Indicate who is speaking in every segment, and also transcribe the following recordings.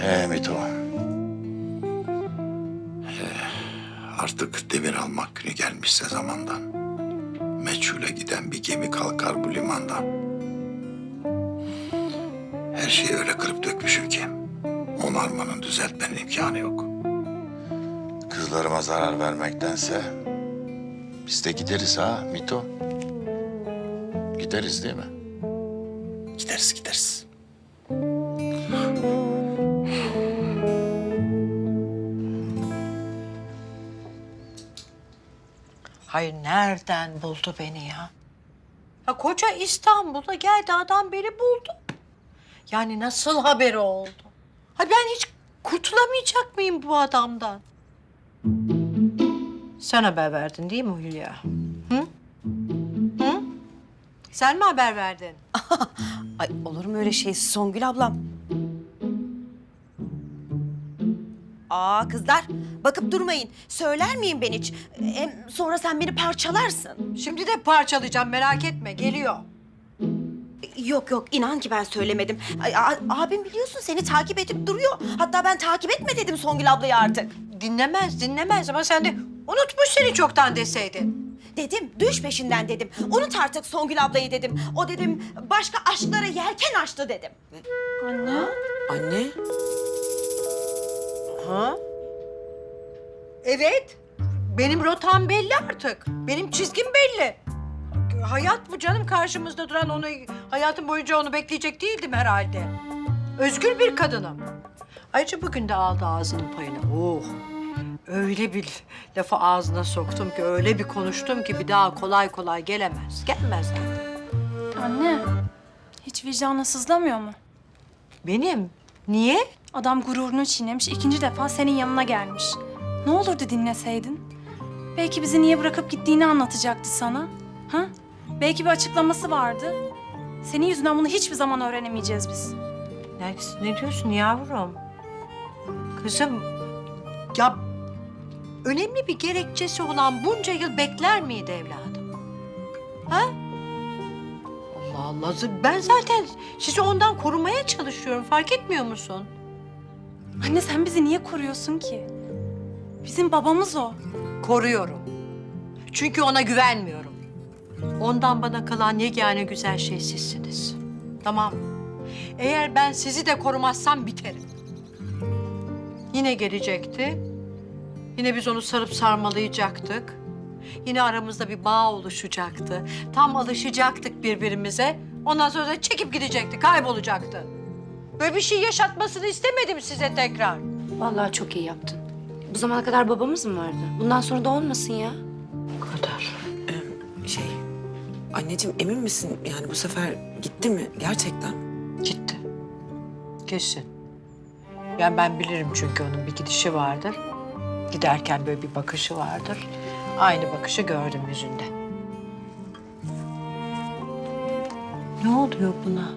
Speaker 1: Mito. Artık devir almak günü gelmişse zamandan. Meçhule giden bir gemi kalkar bu limandan. Her şeyi öyle kırıp dökmüşüm ki onarmanın, düzeltmenin imkanı yok. Kızlarıma zarar vermektense biz de gideriz ha Mito. Gideriz değil mi? Gideriz, gideriz.
Speaker 2: Hayır, nereden buldu beni ya? Ya koca İstanbul'da geldi adam beni buldu. Yani nasıl haberi oldu? Ha ben hiç kurtulamayacak mıyım bu adamdan? Sen haber verdin değil mi Hülya? Hı? Hı? Sen mi haber verdin?
Speaker 3: Ay olur mu öyle şey Songül ablam? Aa kızlar bakıp durmayın. Söyler miyim ben hiç? Hem sonra sen beni parçalarsın.
Speaker 2: Şimdi de parçalayacağım, merak etme, geliyor.
Speaker 3: Yok yok inan ki ben söylemedim. Ay, abim biliyorsun seni takip edip duruyor. Hatta ben takip etme dedim Songül ablayı artık.
Speaker 2: Dinlemez ama sen de unutmuş seni çoktan deseydin.
Speaker 3: Dedim düş peşinden dedim. Unut artık Songül ablayı dedim. O dedim başka aşklara yelken açtı dedim.
Speaker 4: Anne?
Speaker 2: Ha? Evet. Benim rotam belli artık. Benim çizgim belli. Hayat bu canım, karşımızda duran, onu hayatım boyunca onu bekleyecek değildim herhalde. Özgür bir kadınım. Ayrıca bugün de aldı ağzının payını. Oh. Öyle bir lafı ağzına soktum ki, öyle bir konuştum ki bir daha kolay kolay gelemez. Gelmez zaten.
Speaker 5: Anne, hiç vicdanı sızlamıyor mu?
Speaker 2: Benim? Niye?
Speaker 5: Adam gururunu çiğnemiş, ikinci defa senin yanına gelmiş. Ne olurdu dinleseydin? Belki bizi niye bırakıp gittiğini anlatacaktı sana. Ha? Belki bir açıklaması vardı. Senin yüzünden bunu hiçbir zaman öğrenemeyeceğiz biz.
Speaker 2: Nergis, ne diyorsun yavrum? Kızım, ya önemli bir gerekçesi olan bunca yıl bekler miydi evladım? Ha? Allah Allah, ben zaten sizi ondan korumaya çalışıyorum, fark etmiyor musun?
Speaker 5: Anne sen bizi niye koruyorsun ki? Bizim babamız o.
Speaker 2: Koruyorum. Çünkü ona güvenmiyorum. Ondan bana kalan yegane güzel şey sizsiniz. Tamam. Eğer ben sizi de korumazsam biterim. Yine gelecekti. Yine biz onu sarıp sarmalayacaktık. Yine aramızda bir bağ oluşacaktı. Tam alışacaktık birbirimize. Ondan sonra da çekip gidecekti, kaybolacaktı. Böyle bir şey yaşatmasını istemedim size tekrar.
Speaker 6: Vallahi çok iyi yaptın. Bu zamana kadar babamız mı vardı? Bundan sonra da olmasın ya.
Speaker 2: Bu kadar.
Speaker 4: Anneciğim emin misin? Yani bu sefer gitti mi gerçekten?
Speaker 2: Gitti. Kesin. Yani ben bilirim çünkü onun bir gidişi vardır. Giderken böyle bir bakışı vardır. Aynı bakışı gördüm yüzünde. Ne oluyor buna?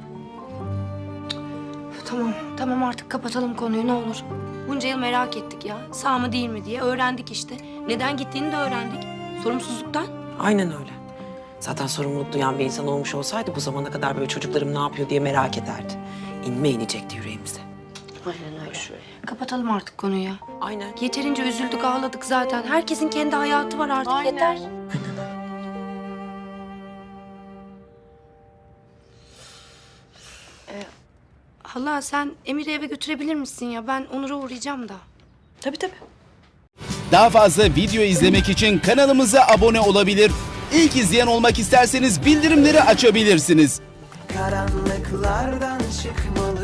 Speaker 6: Tamam artık kapatalım konuyu ne olur. Bunca yıl merak ettik ya. Sağ mı değil mi diye öğrendik işte. Neden gittiğini de öğrendik. Sorumsuzluktan.
Speaker 4: Aynen öyle. Zaten sorumluluk duyan bir insan olmuş olsaydı bu zamana kadar böyle çocuklarım ne yapıyor diye merak ederdi. İnme inecekti yüreğimize.
Speaker 6: Aynen öyle. Kapatalım artık konuyu ya.
Speaker 4: Aynen.
Speaker 6: Yeterince üzüldük ağladık zaten. Herkesin kendi hayatı var artık
Speaker 2: Aynen.
Speaker 6: yeter. Hala sen Emir'i eve götürebilir misin ya? Ben Onur'a uğrayacağım da.
Speaker 3: Tabii.
Speaker 7: Daha fazla video izlemek için kanalımıza abone olabilir. İlk izleyen olmak isterseniz bildirimleri açabilirsiniz.
Speaker 8: Karanlıklardan çıkmalı